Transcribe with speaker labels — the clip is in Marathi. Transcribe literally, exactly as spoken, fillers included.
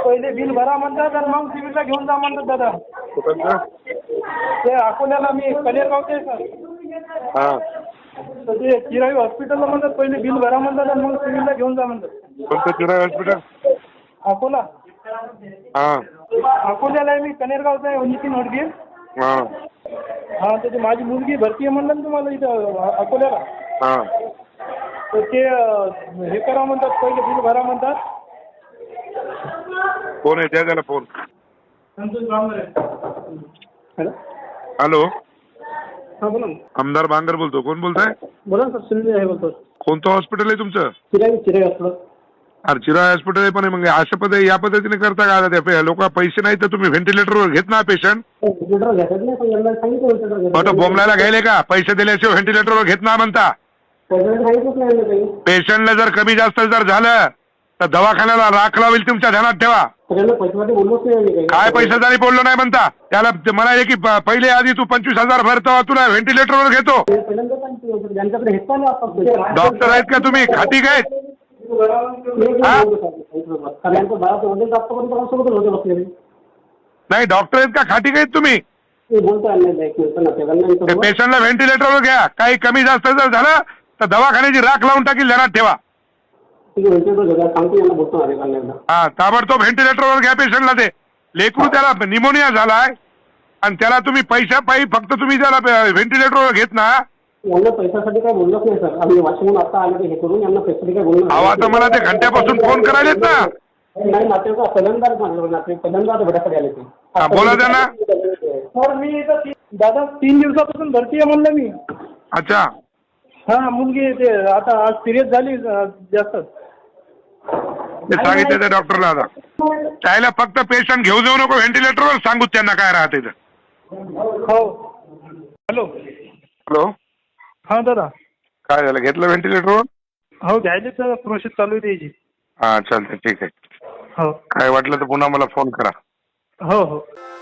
Speaker 1: पहिले बिल भरा म्हणतात आणि मग सिव्हिलला घेऊन जा म्हणतात दादा.
Speaker 2: कुठं?
Speaker 1: ते अकोल्याला मी कनेरगावचे सर.
Speaker 2: हां.
Speaker 1: तर ते चिराई हॉस्पिटलला म्हणतात पहिले बिल भरा म्हणतात आणि मग सिव्हिलला घेऊन जा म्हणतात.
Speaker 2: कोणतं चिराई हॉस्पिटल?
Speaker 1: अकोला.
Speaker 2: हां.
Speaker 1: अकोल्याला आहे मी, कनेरगावचा आहे नितीन हडगे.
Speaker 2: हां.
Speaker 1: हां, त्याची माझी मुलगी भरती आहे म्हणलं ना तुम्हाला इथं अकोल्याला.
Speaker 2: हां.
Speaker 1: तर ते हे करा म्हणतात, पहिले बिल भरा म्हणतात.
Speaker 2: कोण आहे? द्या त्याला phone.
Speaker 1: Santosh Bangar. Hello.
Speaker 2: Hello.
Speaker 1: हां बोला ना.
Speaker 2: आमदार बांगर बोलतो. कोण बोलताय?
Speaker 1: बोला ना सर, सुनील आहे बोलतो.
Speaker 2: कोणतं हॉस्पिटल आहे तुमचं?
Speaker 1: चिराई चिराई हॉस्पिटल.
Speaker 2: अरे चिराई हॉस्पिटल आहे, पण मग अशा पद्धती या पद्धतीने करता का? त्या लोक पैसे नाही तर तुम्ही व्हेंटिलेटरवर घेत ना पेशंट. मोठं बोंबलायला घ्यायले का? पैसे दिल्याशिवाय व्हेंटिलेटरवर घेत ना म्हणता. पेशंटला जर कमी जास्त जर झालं तर दवाखान्याला राख लावेल, तुमच्या ध्यानात ठेवा. काय पैशासाठी बोललो नाही म्हणता? त्याला म्हणाले की पहिले आधी तू पंचवीस हजार भरतो, तुला व्हेंटिलेटरवर घेतो. डॉक्टर आहेत का तुम्ही? खाती काय? नाही, डॉक्टर आहेत का? खाटी काय तुम्ही? पेशंटला व्हेंटिलेटरवर घ्या. काही कमी जास्त जर झालं तर दवाखान्याची राख लावून टाकील, ध्यानात ठेवा. हा, ताबडतोब व्हेंटिलेटरवर घ्या पेशंटला. ते लेकरू त्याला निमोनिया झालाय आणि त्याला तुम्ही पैशा पायी फक्त तुम्ही त्याला व्हेंटिलेटरवर घेत ना.
Speaker 1: यांना पैशासाठी काय बोललोच नाही सर. आम्ही वाशिमहून आता आले हे करून यांना पैशासाठी काय बोललो
Speaker 2: नाही. आता मला ते घंट्यापासून फोन करायलेत ना.
Speaker 1: नाही, नातेवाईक पहिल्यांदा नातेवाईक पहिल्यांदा भेटासाठी आले ते.
Speaker 2: बोला त्यांना.
Speaker 1: सर मी इथं दादा तीन दिवसापासून भरती आहे म्हणलं मी.
Speaker 2: अच्छा.
Speaker 1: हा, मुलगी ते आता आज सिरियस झाली जास्त.
Speaker 2: ते सांगितलं त्या डॉक्टरला. आता त्याला फक्त पेशंट घेऊ जाऊ नको व्हेंटिलेटरवर, सांगू त्यांना काय राहते.
Speaker 1: हो. हॅलो.
Speaker 2: हॅलो.
Speaker 1: हा दादा.
Speaker 2: काय झालं? घेतलं व्हेंटिलेटरवर?
Speaker 1: हो, घ्यायचे सर. प्रोसेस चालू आहे त्याची.
Speaker 2: हा चालतं, ठीक आहे.
Speaker 1: हो.
Speaker 2: काय वाटलं तर पुन्हा मला फोन करा.
Speaker 1: हो हो.